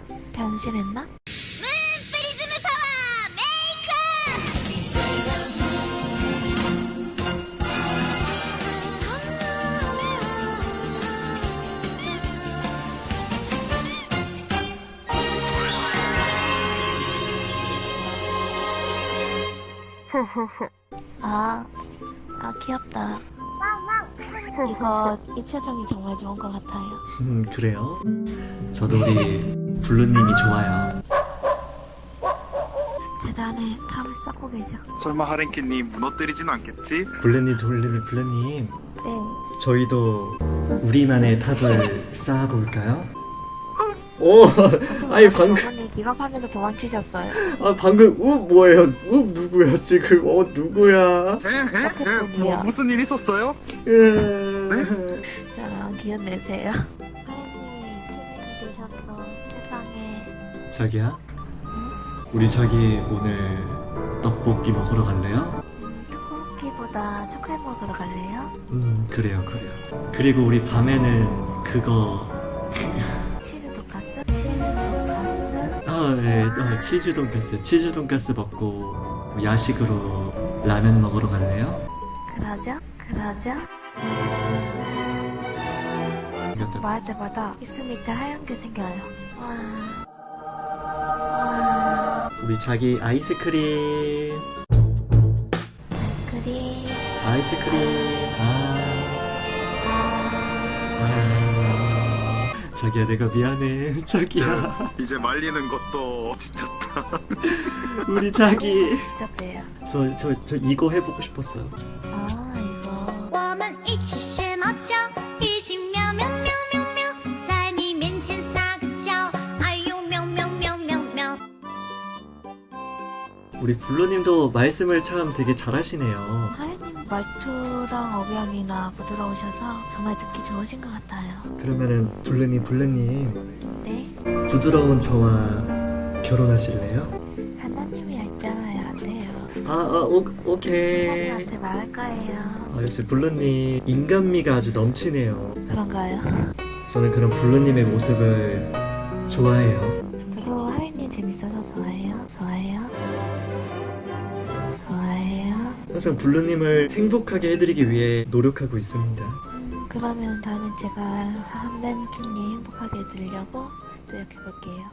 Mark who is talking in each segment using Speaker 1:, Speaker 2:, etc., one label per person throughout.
Speaker 1: 변신했나?
Speaker 2: 프리즈ム파워
Speaker 1: 아 귀엽다. 이 표정이 정말 좋은 것 같아요.
Speaker 3: 그래요? 저도 우리 블루님이 좋아요.
Speaker 1: 대단해. 탑을 쌓고 계셔.
Speaker 4: 설마 하랭키님 무너뜨리진 않겠지?
Speaker 3: 블루님
Speaker 1: 네.
Speaker 3: 저희도 우리만의 탑을 쌓아볼까요? 오! 아니 방금
Speaker 1: 저분이 기겁하면서 도망치셨어요.
Speaker 3: 방금 뭐예요? 누구야 지금? 누구야?
Speaker 4: 뭐 무슨 일 있었어요?
Speaker 1: 자, 기운 내세요. 하연님이 투명이 되셨어. 세상에.
Speaker 3: 자기야? 우리 자기 오늘 떡볶이 먹으러 갈래요?
Speaker 1: 떡볶이보다 초콜릿 먹으러 갈래요?
Speaker 3: 그래요. 그리고 우리 밤에는 그거
Speaker 1: 치즈 돈까스? 치즈 돈까스?
Speaker 3: 네, 치즈 돈가스 먹고 야식으로 라면 먹으러 갈래요?
Speaker 1: 그러죠? 말할 때마다 입술 밑에 하얀 게 생겨요. 와.
Speaker 3: 우리 자기 아이스크림.
Speaker 1: 아이스크림.
Speaker 3: 자기야 내가 미안해. 자기야
Speaker 4: 이제 말리는 것도 지쳤다.
Speaker 3: 우리 자기
Speaker 1: 지쳤대요.
Speaker 3: 저 이거 해보고 싶었어요.
Speaker 1: 이거.
Speaker 2: 我们一起学猫叫，一起喵喵喵喵喵，在你面前撒个娇，哎呦喵喵喵喵喵。
Speaker 3: 우리 블루님도 말씀을 참 되게 잘하시네요.
Speaker 1: 하연님 말투랑 억양이나 부드러우셔서 정말 듣기 좋으신 것 같아요.
Speaker 3: 그러면은 블루님
Speaker 1: 네?
Speaker 3: 부드러운 저와 결혼하실래요?
Speaker 1: 하나님이 있잖아요. 안 돼요.
Speaker 3: 오케이.
Speaker 1: 하나님한테 말할 거예요.
Speaker 3: 역시 블루님 인간미가 아주 넘치네요.
Speaker 1: 그런가요?
Speaker 3: 저는 그런 블루님의 모습을 좋아해요.
Speaker 1: 저도 하연님 재밌어서 좋아해요.
Speaker 3: 항상 블루님을 행복하게 해드리기 위해 노력하고 있습니다.
Speaker 1: 그러면 다음엔 제가 하연님이 행복하게 해드리려고 노력해볼게요.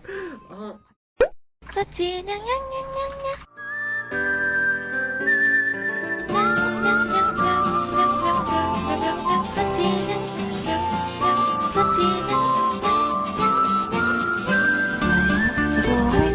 Speaker 1: 그렇지. 냥냥냥냥냥. 저도 하연님